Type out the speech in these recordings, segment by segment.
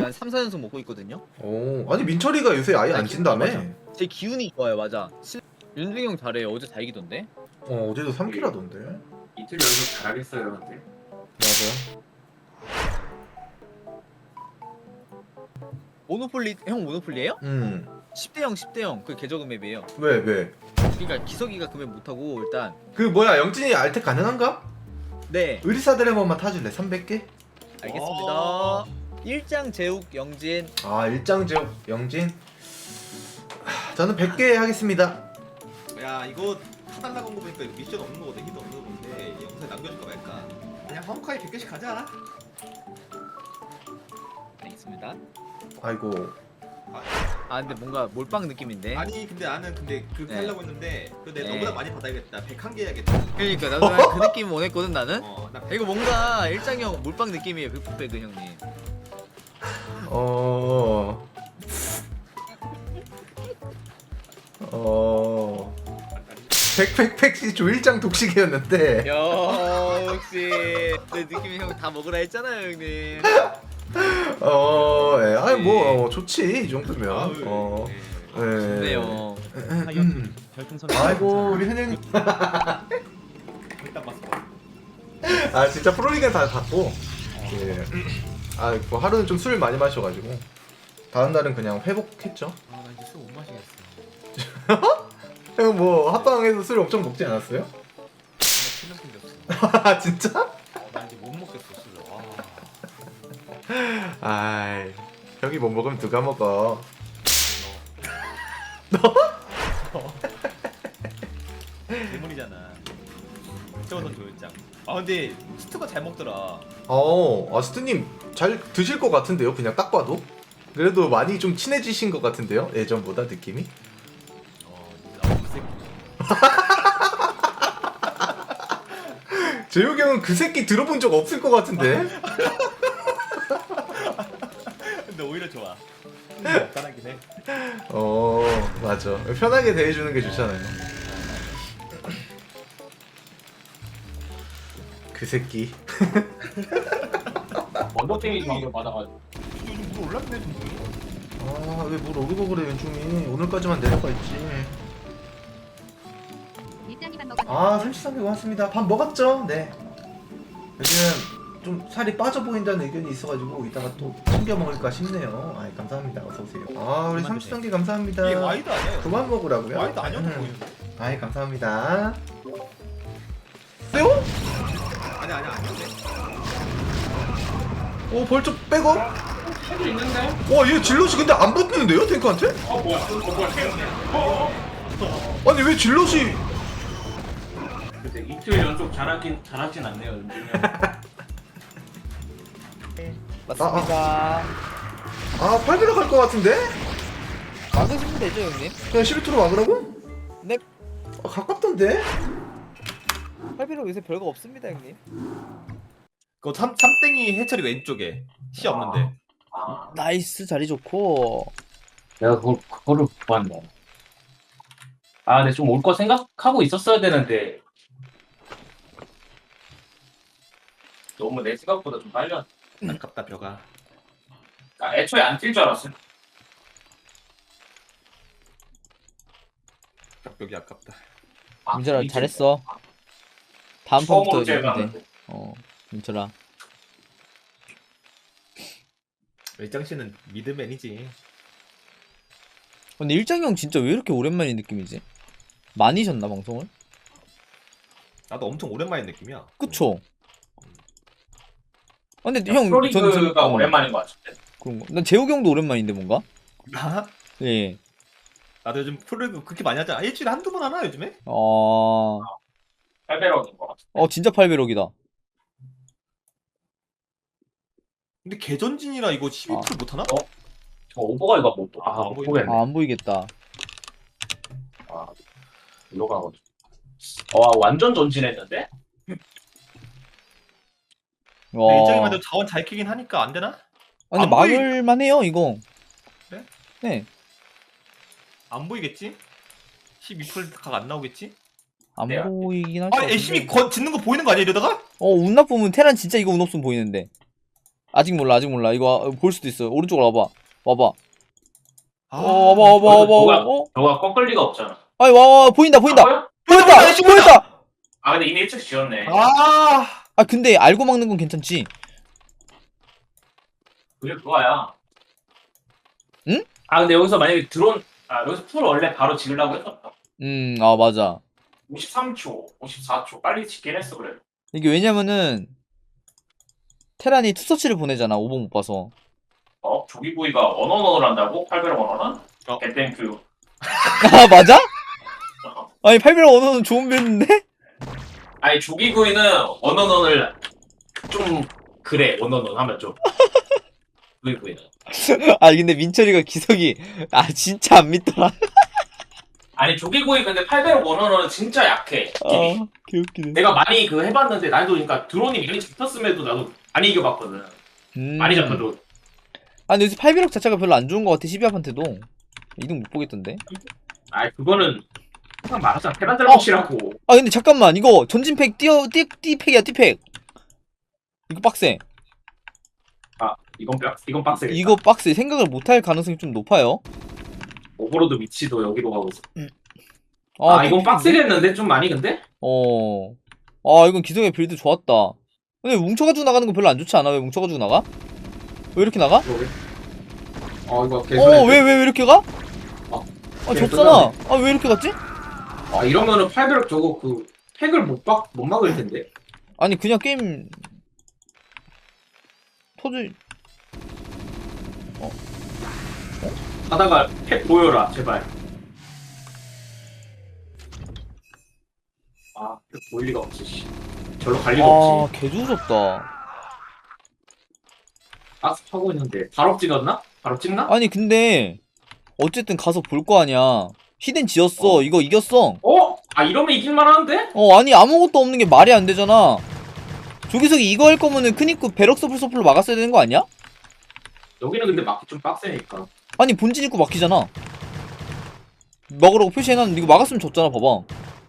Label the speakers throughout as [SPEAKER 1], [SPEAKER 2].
[SPEAKER 1] 한 3, 4연속 먹고 있거든요.
[SPEAKER 2] 오, 아니 민철이가 요새 아예 안 진다며?
[SPEAKER 1] 제 기운이 좋아요, 맞아. 윤중이 형 잘해요. 어제 다 이기던데.
[SPEAKER 2] 어제도 3킬 하던데.
[SPEAKER 3] 이틀 연속 잘하겠어요, 근데.
[SPEAKER 2] 맞아.
[SPEAKER 1] 모노폴리 형 모노폴리예요?
[SPEAKER 2] 음.
[SPEAKER 1] 10대 0, 10대 0. 그 개저금 맵이에요.
[SPEAKER 2] 왜?
[SPEAKER 1] 그러니까 기석이가 그 맵 못하고 일단.
[SPEAKER 2] 그 뭐야 영진이 알텍 가능한가?
[SPEAKER 1] 네.
[SPEAKER 2] 의리사들 한 번만 타줄래? 300개?
[SPEAKER 1] 알겠습니다. 일장 제욱 영진.
[SPEAKER 2] 아 일장제옥 영진. 저는 100개 하겠습니다.
[SPEAKER 4] 야 이거 타달라고 한 거 보니까 이거 미션 없는 거거든. 힌트 없는 건데 영상에 남겨줄까 말까. 그냥 화목하게 100개씩 가자.
[SPEAKER 1] 알겠습니다.
[SPEAKER 2] 아이고.
[SPEAKER 1] 아 근데 뭔가 몰빵 느낌인데.
[SPEAKER 4] 아니 근데 나는 그렇게
[SPEAKER 1] 네.
[SPEAKER 4] 하려고 했는데 내가
[SPEAKER 1] 네.
[SPEAKER 4] 너보다 많이 받아야겠다. 101개 해야겠다.
[SPEAKER 1] 그러니까 나도 그 느낌 원했거든 나는.
[SPEAKER 4] 나
[SPEAKER 1] 이거 뭔가 일장형 몰빵 느낌이에요. 백북백은 형님.
[SPEAKER 2] 백팩팩시 조일장 독식이었는데.
[SPEAKER 1] 역시 내 느낌이 형 다 먹으라 했잖아요 형님.
[SPEAKER 2] 예. 아니 뭐 좋지 이 정도면. 예.
[SPEAKER 1] 좋네요.
[SPEAKER 2] 아이고 우리 현영님.
[SPEAKER 4] 일단 봤어.
[SPEAKER 2] 아 진짜 프로리그는 다 닫고. 예. 아 뭐 하루는 좀 술 많이 마셔가지고 다음 날은 그냥 회복했죠.
[SPEAKER 4] 아나 이제 술 못 마시겠어.
[SPEAKER 2] 형 뭐 합방에서 술 엄청 먹지 않았어요?
[SPEAKER 4] 나 필름 생겼어.
[SPEAKER 2] 아 진짜?
[SPEAKER 4] 나 이제 못 먹겠어 술을.
[SPEAKER 2] 아이 형이 못 먹으면 누가 먹어?
[SPEAKER 4] 대문이잖아. 최원선 조일장. 아 근데 스트가 잘 먹더라.
[SPEAKER 2] 아스트님 잘 드실 것 같은데요? 그냥 딱 봐도? 그래도 많이 좀 친해지신 것 같은데요? 예전보다 느낌이?
[SPEAKER 4] 이 새끼.
[SPEAKER 2] 재욱이 형은 그 새끼 들어본 적 없을 것 같은데?
[SPEAKER 4] 근데 오히려 좋아. 간단하긴 해.
[SPEAKER 2] 맞아. 편하게 대해주는 게 좋잖아요. 그 새끼.
[SPEAKER 3] 언더테이지 방금 받아가지고.
[SPEAKER 4] 요즘 물 올랐네 좀.
[SPEAKER 2] 왜 물 오르고 그래 윤중이. 오늘까지만 내려가 있지.
[SPEAKER 5] 일장이 밥 먹었나요?
[SPEAKER 2] 33개 고맙습니다. 밥 먹었죠? 네. 요즘 좀 살이 빠져 보인다는 의견이 있어가지고 이따가 또 챙겨 먹을까 싶네요. 감사합니다. 어서오세요. 우리 33개 감사합니다.
[SPEAKER 4] 이게 와이드 아니야?
[SPEAKER 2] 그만 먹으라고요?
[SPEAKER 4] 와이드 아니어도 보이는데.
[SPEAKER 2] 감사합니다. 세요?
[SPEAKER 4] 아니야 아닌데.
[SPEAKER 2] 벌써 백업?
[SPEAKER 3] 해도 있는데?
[SPEAKER 2] 얘 질럿이 근데 안 붙는데요? 탱크한테?
[SPEAKER 3] 뭐야?
[SPEAKER 2] 아니 왜 질럿이
[SPEAKER 3] 근데 이틀 연속 잘하진 않네요, 윤중이 형.
[SPEAKER 1] 맞습니다.
[SPEAKER 2] 8배로 갈 것 같은데?
[SPEAKER 1] 막으시면 되죠 형님.
[SPEAKER 2] 그냥 12투로 막으라고?
[SPEAKER 1] 네.
[SPEAKER 2] 가깝던데?
[SPEAKER 1] 8비로 요새 별거 없습니다 형님.
[SPEAKER 4] 그거 삼땡이 해철이 왼쪽에 시 없는데.
[SPEAKER 1] 나이스 자리 좋고.
[SPEAKER 3] 내가 그거를 못 봤네. 근데 좀 올 거 생각하고 있었어야 되는데. 너무 내 생각보다 좀 빨리 왔.
[SPEAKER 4] 아깝다 벼가.
[SPEAKER 3] 애초에 안 뛸 줄 알았어.
[SPEAKER 4] 벽이 아깝다.
[SPEAKER 1] 민철아 잘했어. 다음 판부터
[SPEAKER 3] 처음으로
[SPEAKER 1] 이기면 돼.
[SPEAKER 3] 제외하는데.
[SPEAKER 1] 민철아.
[SPEAKER 4] 일장 씨는 미드맨이지.
[SPEAKER 1] 근데 일장이 형 진짜 왜 이렇게 오랜만인 느낌이지? 많이 셨나 방송을?
[SPEAKER 4] 나도 엄청 오랜만인 느낌이야.
[SPEAKER 1] 그쵸? 근데 형
[SPEAKER 3] 프로리그가 오랜만인 것 같은데.
[SPEAKER 1] 그런 거. 난 재욱이 형도 오랜만인데 뭔가?
[SPEAKER 4] 나?
[SPEAKER 1] 예.
[SPEAKER 4] 나도 요즘 프로리그 그렇게 많이 하잖아. 일주일에 한두 번 하나 요즘에?
[SPEAKER 3] 8배럭인 것 같아.
[SPEAKER 1] 진짜 8배럭이다.
[SPEAKER 4] 근데 개전진이라 이거 12% 못하나?
[SPEAKER 3] 저 오버가 이거 못
[SPEAKER 4] 안
[SPEAKER 3] 보겠네.
[SPEAKER 1] 안 보이겠다.
[SPEAKER 3] 일로 가거든. 완전 전진했는데?
[SPEAKER 4] 근데 일장이만 해도 자원 잘 키긴 하니까 안 되나?
[SPEAKER 1] 근데
[SPEAKER 4] 안 보이-
[SPEAKER 1] 막을만 해요 이거.
[SPEAKER 4] 그래?
[SPEAKER 1] 네.
[SPEAKER 4] 안 보이겠지? 12%각 안 나오겠지?
[SPEAKER 1] 안
[SPEAKER 3] 네,
[SPEAKER 1] 보이긴 할 것 같은데.
[SPEAKER 4] 열심히 짓는 거 보이는 거 아니야 이러다가?
[SPEAKER 1] 운 나쁘면 테란 진짜 이거 운 없으면 보이는데.
[SPEAKER 6] 아직 몰라 아직 몰라. 이거 볼 수도 있어. 오른쪽으로 와봐. 와봐.
[SPEAKER 4] 아,
[SPEAKER 6] 와봐.
[SPEAKER 3] 너가 꺾을 리가 없잖아.
[SPEAKER 6] 아니 와 보인다 보인다.
[SPEAKER 3] 아,
[SPEAKER 6] 보였다.
[SPEAKER 3] 아 근데 이미 일찍 지었네.
[SPEAKER 6] 아 근데 알고 막는 건 괜찮지.
[SPEAKER 3] 그게 그거야.
[SPEAKER 6] 응?
[SPEAKER 3] 아 근데 여기서 만약에 여기서 풀 원래 바로 지으려고 했었다.
[SPEAKER 6] 아 맞아.
[SPEAKER 3] 53초, 54초 빨리 짓긴 했어 그래.
[SPEAKER 6] 이게 왜냐면은 테란이 투서치를 보내잖아. 5번 못 봐서.
[SPEAKER 3] 조기구이가 원원원을 한다고? 800원 원원원?
[SPEAKER 4] 어.
[SPEAKER 3] 땡큐.
[SPEAKER 6] 아 맞아? 아니 800원 원어는 좋은 변인데?
[SPEAKER 3] 아니 조기구이는 원원원을 좀 그래 원원원 하면 좀. 조기구이는.
[SPEAKER 6] 아 근데 민철이가 기석이 진짜 안 믿더라.
[SPEAKER 3] 아니 조기구이 근데 800원 원원원은 진짜 약해. 느낌이.
[SPEAKER 6] 개웃기네.
[SPEAKER 3] 내가 많이 해봤는데 나도 그러니까 드론이 많이 잡혔음에도 나도 많이 이겨봤거든. 많이 잡혀도.
[SPEAKER 6] 아 근데 요새 800억 자체가 별로 안 좋은 것 같아. 12합한테도 이등 못 보겠던데.
[SPEAKER 3] 아이 그거는 항상 말하잖아. 테란 잘못이라고.
[SPEAKER 6] 아 근데 잠깐만 이거 전진팩 띠팩이야 띠팩. 이거 빡세.
[SPEAKER 3] 이건 빡세겠다.
[SPEAKER 6] 이거 빡세. 생각을 못할 가능성이 좀 높아요.
[SPEAKER 3] 오버로드 위치도 여기로 가고 있어.
[SPEAKER 6] 아
[SPEAKER 3] 이건 빡세겠는데? 좀 많이 근데?
[SPEAKER 6] 이건 기성의 빌드 좋았다. 근데 뭉쳐가지고 나가는 거 별로 안 좋지 않아? 왜 뭉쳐가지고 나가? 왜 이렇게 나가?
[SPEAKER 3] 그러게. 이거 개소리.
[SPEAKER 6] 왜 이렇게 가?
[SPEAKER 3] 게임
[SPEAKER 6] 졌잖아. 왜 이렇게 갔지?
[SPEAKER 3] 이러면은 800 저거 팩을 못 막을 텐데.
[SPEAKER 6] 아니 그냥 게임 터질.
[SPEAKER 3] 하다가 팩 보여라 제발. 팩 보일 리가 없지. 씨. 절로 갈 리가 없지.
[SPEAKER 6] 개조졌다.
[SPEAKER 3] 박스 파고 있는데 바로 찍었나? 바로 찍나?
[SPEAKER 6] 아니 근데 어쨌든 가서 볼 거 아니야. 히덴 지었어. 이거 이겼어.
[SPEAKER 3] 이러면 이길만 하는데?
[SPEAKER 6] 아니 아무것도 없는 게 말이 안 되잖아. 조기석이 이거 할 거면은 큰 입구 배럭 서플로 막았어야 되는 거 아니야?
[SPEAKER 3] 여기는 근데 막기 좀 빡세니까.
[SPEAKER 6] 아니 본진 입구 막히잖아. 먹으라고 표시해놨는데 이거 막았으면 졌잖아. 봐봐.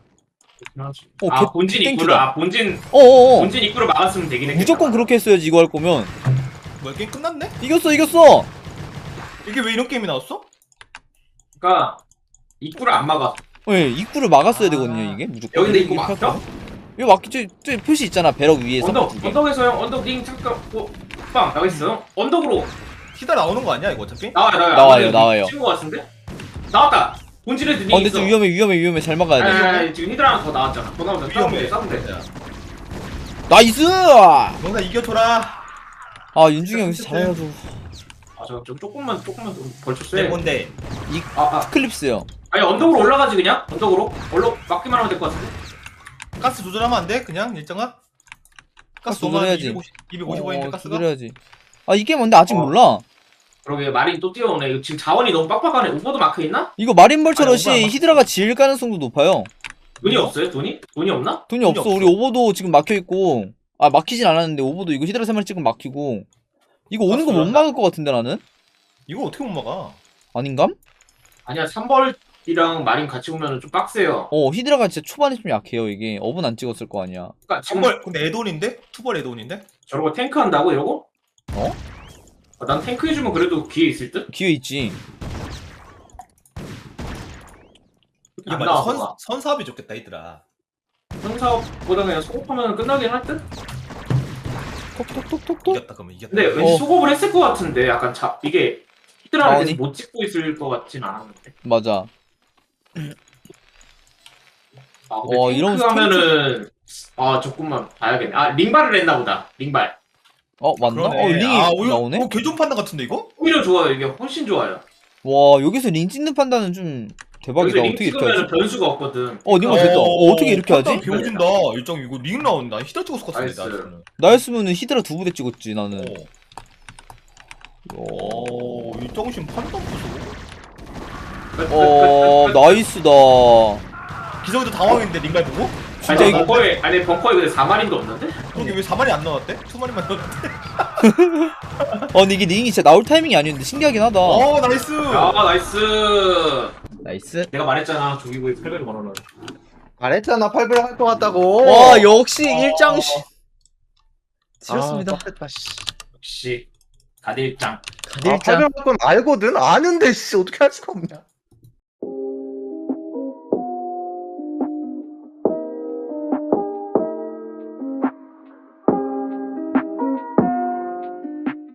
[SPEAKER 3] 본진 입구를
[SPEAKER 6] 땡큐다.
[SPEAKER 3] 본진 입구를 막았으면 되긴 했겠다.
[SPEAKER 6] 무조건 그렇게 했어야지 이거 할 거면.
[SPEAKER 4] 뭐야 게임 끝났네?
[SPEAKER 6] 이겼어.
[SPEAKER 4] 이게 왜 이런 게임이 나왔어?
[SPEAKER 3] 그러니까 입구를 안 막아.
[SPEAKER 6] 네, 입구를 막았어야 되거든요 이게 무조건.
[SPEAKER 3] 여기는 입구 막혀?
[SPEAKER 6] 이거 막히지. 저 표시 있잖아 배럭 위에서.
[SPEAKER 3] 언덕에서 형 언덕 링 잠깐 빵 나와있어요? 언덕으로
[SPEAKER 4] 히다 나오는 거 아니야 이거 어차피?
[SPEAKER 6] 나와요.
[SPEAKER 3] 친구 같은데? 나왔다. 본질에 링
[SPEAKER 6] 근데
[SPEAKER 3] 있어.
[SPEAKER 6] 좀 위험해. 잘 막아야 돼.
[SPEAKER 3] 아니, 지금 히드라 하나 더 나왔잖아. 더 나오면 싸우면 돼.
[SPEAKER 6] 나이스!
[SPEAKER 4] 뭔가 이겨줘라.
[SPEAKER 6] 윤중이 형 진짜 잘해가지고.
[SPEAKER 3] 저 조금만 좀 벌쳐
[SPEAKER 4] 네
[SPEAKER 3] 세.
[SPEAKER 4] 뭔데?
[SPEAKER 6] 클립스요.
[SPEAKER 3] 아니 언덕으로 올라가지 그냥. 언덕으로 막기만 하면 될 것 같은데.
[SPEAKER 4] 가스 조절하면 안 돼? 그냥 일정아? 가스
[SPEAKER 6] 조절해야지.
[SPEAKER 4] 250원인데 가스가?
[SPEAKER 6] 조절해야지. 이게 뭔데 아직 몰라.
[SPEAKER 3] 그러게 마린 또 뛰어오네. 이거 지금 자원이 너무 빡빡하네. 오버도 마크 있나?
[SPEAKER 6] 이거 마린벌처럼
[SPEAKER 4] 아니, 오버 안
[SPEAKER 6] 히드라가 지을 가능성도 높아요.
[SPEAKER 3] 돈이 없어요? 돈이 없나?
[SPEAKER 6] 돈이 없어. 우리 오버도 지금 막혀있고. 막히진 않았는데 오버도 이거 히드라 3마리 찍으면 막히고. 이거 오는 거 못 막을 것 같은데 나는?
[SPEAKER 4] 이거 어떻게 못 막아?
[SPEAKER 6] 아닌감?
[SPEAKER 3] 아니야 3벌이랑 마린 같이 오면 좀 빡세요.
[SPEAKER 6] 히드라가 진짜 초반에 좀 약해요 이게. 업은 안 찍었을 거 아니야.
[SPEAKER 3] 그러니까 지금
[SPEAKER 4] 근데 애돈인데? 투벌 애돈인데?
[SPEAKER 3] 저러고 탱크 한다고 이러고?
[SPEAKER 6] 어?
[SPEAKER 3] 난 탱크 해주면 그래도 기회 있을 듯?
[SPEAKER 6] 기회 있지.
[SPEAKER 4] 이게
[SPEAKER 3] 안
[SPEAKER 4] 맞아
[SPEAKER 3] 나와.
[SPEAKER 4] 선사업이 좋겠다 얘들아.
[SPEAKER 3] 현사업보다 그냥 소급하면 끝나긴 할 듯?
[SPEAKER 6] 톡톡톡톡톡.
[SPEAKER 4] 이겼다 그러면 이겼다.
[SPEAKER 3] 근데 왠지 소급을 했을 것 같은데 약간 이게 히드라를
[SPEAKER 6] 아니.
[SPEAKER 3] 계속 못 찍고 있을 것 같진 않았는데.
[SPEAKER 6] 맞아.
[SPEAKER 3] 근데
[SPEAKER 6] 이러면서
[SPEAKER 3] 탱크 하면은 조금만 봐야겠네. 링발을 했나 보다. 링발.
[SPEAKER 6] 맞나?
[SPEAKER 4] 그러네.
[SPEAKER 6] 링이 나오네?
[SPEAKER 4] 개좀 판단 같은데 이거?
[SPEAKER 3] 오히려 좋아요. 이게 훨씬 좋아요.
[SPEAKER 6] 와 여기서 링 찍는 판단은 좀 대박이다.
[SPEAKER 3] 여기서 링
[SPEAKER 6] 어떻게 이렇게
[SPEAKER 3] 찍으면
[SPEAKER 6] 하지?
[SPEAKER 3] 변수가 없거든.
[SPEAKER 6] 링만 됐다. 어떻게 이렇게 하지?
[SPEAKER 4] 배워진다. 일정 이거 링 나온다. 히다 찍었을 것 같은데
[SPEAKER 3] 나이스.
[SPEAKER 4] 나는.
[SPEAKER 6] 나였으면은 히드라 2부대 찍었지 나는.
[SPEAKER 4] 일정신 판단 보소.
[SPEAKER 6] 나이스다.
[SPEAKER 4] 기성이도 당황했는데 링갈 보고?
[SPEAKER 6] 진짜 이거
[SPEAKER 3] 벙커에 근데 4마린도 없는데?
[SPEAKER 4] 그러게 왜 4마리 안 나왔대? 2마리만 나왔대?
[SPEAKER 6] 근데 이게 링이 진짜 나올 타이밍이 아니었는데 신기하긴 하다.
[SPEAKER 4] 나이스!
[SPEAKER 3] 나이스.
[SPEAKER 6] 나이스.
[SPEAKER 3] 내가 말했잖아. 조기구이 800원 원어는.
[SPEAKER 1] 말했잖아 800 할 것 같다고.
[SPEAKER 6] 역시 일장씨. 지렸습니다.
[SPEAKER 1] 됐다 씨.
[SPEAKER 3] 역시 가딜짱.
[SPEAKER 2] 아, 800건 알거든? 아는데 씨 어떻게 할 수가 없냐.